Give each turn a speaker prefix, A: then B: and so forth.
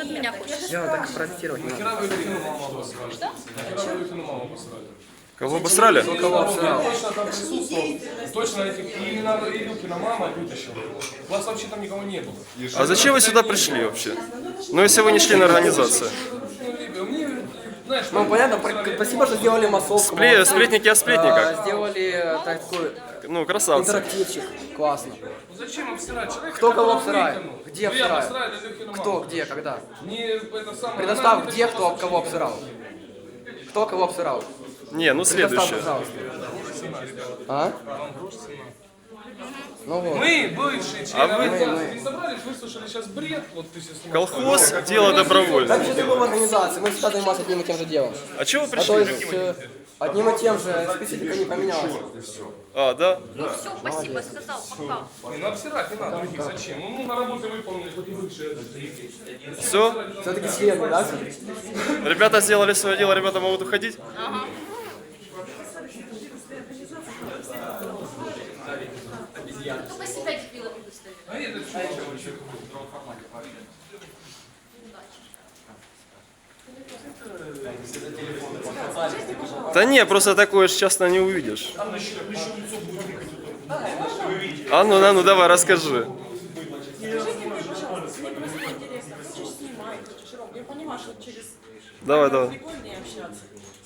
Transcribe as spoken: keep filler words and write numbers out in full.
A: от меня хочешь?
B: Я так протестировать не
C: Нахера
B: надо.
C: вы Люфину маму обосрали?
A: Что?
C: Нахера вы Люфину маму обосрали?
D: Кого обосрали?
B: Кто кого обсирал?
C: Точно там присутствовал, точно этих, и именно и Люкина мама вытащила. У вас вообще там никого не было.
D: А зачем вы сюда пришли вообще? Ну, если вы не члены организации.
C: Мне, знаешь,
B: Ну понятно, пр- спасибо, что сделали массовку.
D: Спле-
B: молодцы.
D: сплетники о сплетниках.
B: А, Сделали такой
D: Ну, красавцы.
B: интерактивчик. Классно.
C: зачем обсирать человека?
B: Кто кого
C: которого
B: обсирает?
C: выкинул?
B: Где
C: Вы
B: обсирают?
C: обосрали Люкину
B: Кто,
C: маму.
B: где, когда?
C: Не это самое.
B: Предоставь,
C: она
B: где
C: вытащила
B: кто кого
C: сообщение.
B: обсирал. Кто кого обсирал?
D: Не, ну
B: Предоставь,
D: следующее.
B: пожалуйста. А? Ну вот.
C: Мы, бывшие члены
D: А вы-
C: организации, не собрались, выслушали сейчас бред. Вот ты сейчас снимаешь.
D: Колхоз – дело добровольное.
B: Так же в организации, мы всегда занимаемся одним и тем же делом.
D: А чего вы
B: А то
D: пришли?
B: есть э, одним и тем же специфика не поменялась.
D: А, да?
A: Ну все, спасибо, сказал, пока.
C: Не, ну обсирать не надо других, зачем? Ну, ну, на работе выполнили, хоть и бывшие.
D: Все?
B: Все-таки члены, да?
D: Ребята сделали свое дело, ребята могут уходить?
A: Ага. Только себя дебилами выставили.
C: А это что?
D: Да не, просто такое ж часто не увидишь. А ну, а ну, давай, расскажи.
E: Скажите мне, пожалуйста, мне просто интересно, вы же снимаете, Жером, я понимаю, что через
D: Давай, давай.
E: прикольнее общаться.